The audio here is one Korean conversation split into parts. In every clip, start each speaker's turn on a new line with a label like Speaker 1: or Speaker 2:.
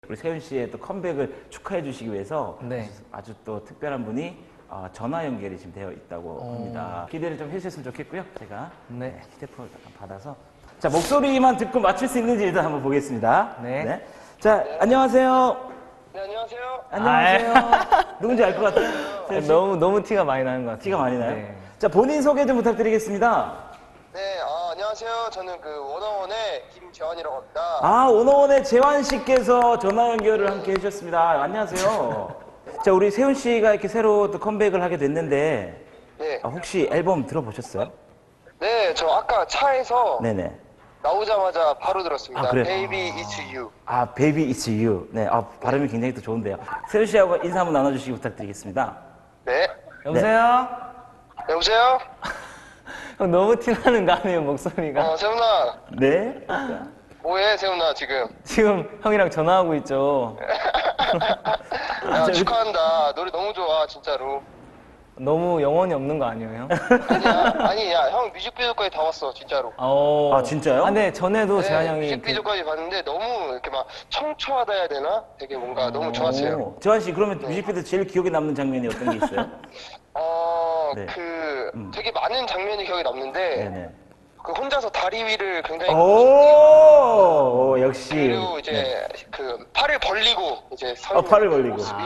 Speaker 1: 우리 세훈 씨의 또 컴백을 축하해 주시기 위해서
Speaker 2: 네.
Speaker 1: 아주 또 특별한 분이 전화 연결이 지금 되어 있다고 합니다. 기대를 좀 해주셨으면 좋겠고요. 제가
Speaker 2: 네.
Speaker 1: 휴대폰을 받아서 자 목소리만 듣고 맞출 수 있는지 일단 한번 보겠습니다.
Speaker 2: 네.
Speaker 1: 자 안녕하세요.
Speaker 3: 네, 안녕하세요.
Speaker 1: 안녕하세요. 누군지 알 것 같아요. 세훈 씨?
Speaker 2: 너무 티가 많이 나는 것 같아요.
Speaker 1: 티가 많이 나요?
Speaker 2: 네.
Speaker 1: 자 본인 소개 좀 부탁드리겠습니다.
Speaker 3: 네, 안녕하세요. 저는 그 워너원의 김재환이라고 합니다.
Speaker 1: 오너원의 재환 씨께서 전화 연결을 함께 해주셨습니다. 안녕하세요. 자 우리 세훈 씨가 이렇게 새로 또 컴백을 하게 됐는데
Speaker 3: 네.
Speaker 1: 혹시 앨범 들어보셨어요?
Speaker 3: 네, 저 아까 차에서
Speaker 1: 네네.
Speaker 3: 나오자마자 바로 들었습니다.
Speaker 1: 그래요?
Speaker 3: Baby It's You.
Speaker 1: Baby It's You. 네, 발음이 굉장히 또 좋은데요. 세훈 씨하고 인사 한번 나눠주시기 부탁드리겠습니다.
Speaker 3: 네.
Speaker 2: 여보세요?
Speaker 3: 여보세요?
Speaker 2: 형 너무 티나는 거 아니에요, 목소리가?
Speaker 3: 세훈아.
Speaker 1: 네.
Speaker 3: 뭐해, 세훈아, 지금?
Speaker 2: 지금 형이랑 전화하고 있죠.
Speaker 3: 야, 축하한다. 노래 너무 좋아, 진짜로.
Speaker 2: 너무 영혼이 없는 거 아니에요, 형?
Speaker 3: 아니야, 형 뮤직비디오까지 다 봤어, 진짜로.
Speaker 1: 진짜요?
Speaker 2: 근데 전에도 재환 형이
Speaker 3: 뮤직비디오까지 봤는데 너무 이렇게 막 청초하다 해야 되나? 되게 뭔가 너무 좋았어요.
Speaker 1: 재환 씨, 그러면 뮤직비디오 제일 기억에 남는 장면이 어떤 게 있어요? 네.
Speaker 3: 되게 많은 장면이 기억에 남는데,
Speaker 1: 네네.
Speaker 3: 그 혼자서 다리 위를 굉장히
Speaker 1: 오, 역시.
Speaker 3: 그리고 이제 그 팔을 벌리고 이제 서
Speaker 1: 팔을
Speaker 3: 있는
Speaker 1: 벌리고.
Speaker 3: 모습이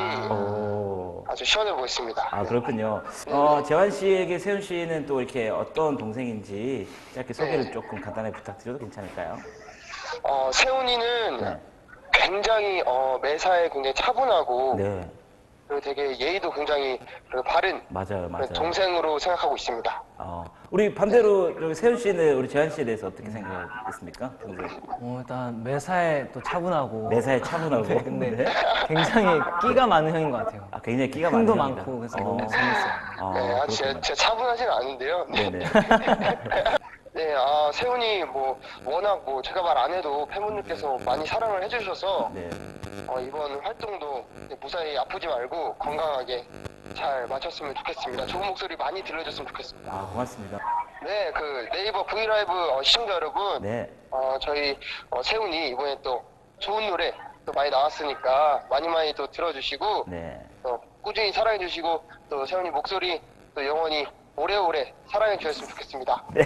Speaker 3: 아주 시원해 보였습니다.
Speaker 1: 그렇군요. 재환 씨에게 세훈 씨는 또 이렇게 어떤 동생인지 짧게 소개를 조금 간단하게 부탁드려도 괜찮을까요?
Speaker 3: 세훈이는
Speaker 1: 네.
Speaker 3: 굉장히 매사에 굉장히 차분하고
Speaker 1: 네.
Speaker 3: 그리고 되게 예의도 굉장히 바른
Speaker 1: 맞아요.
Speaker 3: 동생으로 생각하고 있습니다.
Speaker 1: 우리 반대로 저기 세훈 씨는 우리 재환 씨에 대해서 어떻게 생각했습니까?
Speaker 2: 일단 매사에 또 차분하고
Speaker 1: 매사에 차분하고.
Speaker 2: 네, 근데 굉장히 끼가 많은 형인 것 같아요.
Speaker 1: 굉장히 끼가 많은
Speaker 2: 흥도
Speaker 1: 형이다.
Speaker 2: 많고 그래서 너무 재밌어요.
Speaker 3: 네, 제가 차분하지는 않은데요.
Speaker 1: 네네.
Speaker 3: 네, 세훈이 워낙 제가 말 안 해도 팬분들께서 많이 사랑을 해주셔서
Speaker 1: 네.
Speaker 3: 이번 활동도 무사히 아프지 말고 건강하게 잘 마쳤으면 좋겠습니다. 좋은 목소리 많이 들려줬으면 좋겠습니다.
Speaker 1: 고맙습니다.
Speaker 3: 네, 그 네이버 브이라이브 시청자 여러분,
Speaker 1: 네.
Speaker 3: 저희 세훈이 이번에 또 좋은 노래 또 많이 나왔으니까 많이 또 들어주시고
Speaker 1: 네.
Speaker 3: 또 꾸준히 사랑해주시고 또 세훈이 목소리 또 영원히 오래오래 사랑해 주셨으면 좋겠습니다.
Speaker 1: 네,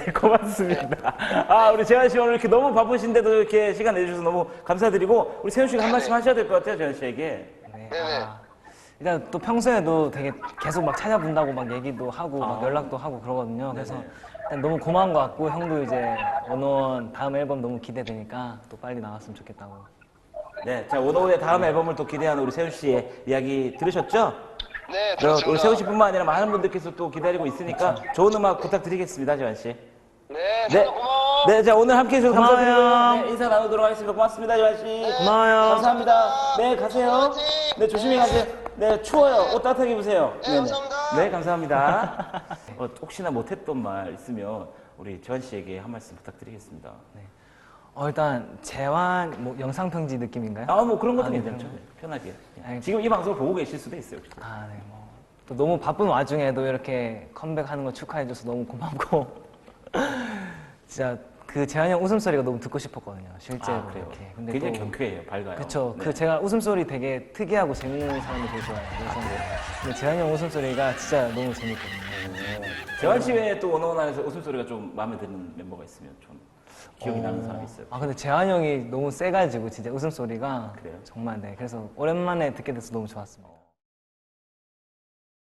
Speaker 1: 고맙습니다. 우리 재환 씨 오늘 이렇게 너무 바쁘신데도 이렇게 시간 내주셔서 너무 감사드리고, 우리 세훈 씨가 한 말씀 하셔야 될 것 같아요, 재환 씨에게.
Speaker 2: 네.
Speaker 3: 네네.
Speaker 2: 일단 또 평소에도 되게 계속 막 찾아본다고 막 얘기도 하고 막 연락도 하고 그러거든요. 그래서 일단 너무 고마운 것 같고, 형도 이제 원어원 다음 앨범 너무 기대되니까 또 빨리 나왔으면 좋겠다고.
Speaker 1: 네, 자, 오너의 다음 앨범을 또 기대하는 우리 세훈 씨의 이야기 들으셨죠?
Speaker 3: 네,
Speaker 1: 우리
Speaker 3: 들었습니다.
Speaker 1: 세훈 씨뿐만 아니라 많은 분들께서 또 기다리고 있으니까 좋은 음악 부탁드리겠습니다, 재환 씨.
Speaker 3: 네, 세훈아 고마워.
Speaker 1: 네, 자, 오늘 함께 해주셔서
Speaker 2: 고마워요.
Speaker 1: 감사드리고요. 네, 인사 나누도록 하겠습니다. 고맙습니다, 재환 씨.
Speaker 2: 고마워요.
Speaker 1: 감사합니다. 네, 가세요. 네, 조심히 가세요. 네, 추워요. 옷 따뜻하게 입으세요.
Speaker 3: 네, 감사합니다.
Speaker 1: 네, 감사합니다. 혹시나 못했던 말 있으면 우리 재환 씨에게 한 말씀 부탁드리겠습니다.
Speaker 2: 일단 재환 영상 편지 느낌인가요?
Speaker 1: 그런 것도
Speaker 2: 네,
Speaker 1: 괜찮죠. 편하게.
Speaker 2: 아니,
Speaker 1: 지금 이 방송을 보고 계실 수도 있어요. 혹시.
Speaker 2: 네, 또 너무 바쁜 와중에도 이렇게 컴백하는 거 축하해줘서 너무 고맙고 진짜 그 재환이 형 웃음소리가 너무 듣고 싶었거든요, 실제로.
Speaker 1: 그래요.
Speaker 2: 이렇게. 근데
Speaker 1: 굉장히
Speaker 2: 또
Speaker 1: 경쾌해요, 밝아요.
Speaker 2: 그쵸.
Speaker 1: 네.
Speaker 2: 그 제가 웃음소리 되게 특이하고 재밌는 사람이 되게 좋아해요. 그래서 근데 재환이 형 웃음소리가 진짜 너무 재밌거든요.
Speaker 1: 재환 씨 외에 또 원어원 안에서 웃음소리가 좀 마음에 드는 멤버가 있으면 좀 기억이 나는 사람이 있어요.
Speaker 2: 근데 재환이 형이 너무 세가지고 진짜 웃음소리가
Speaker 1: 그래요?
Speaker 2: 정말 그래서 오랜만에 듣게 돼서 너무 좋았습니다.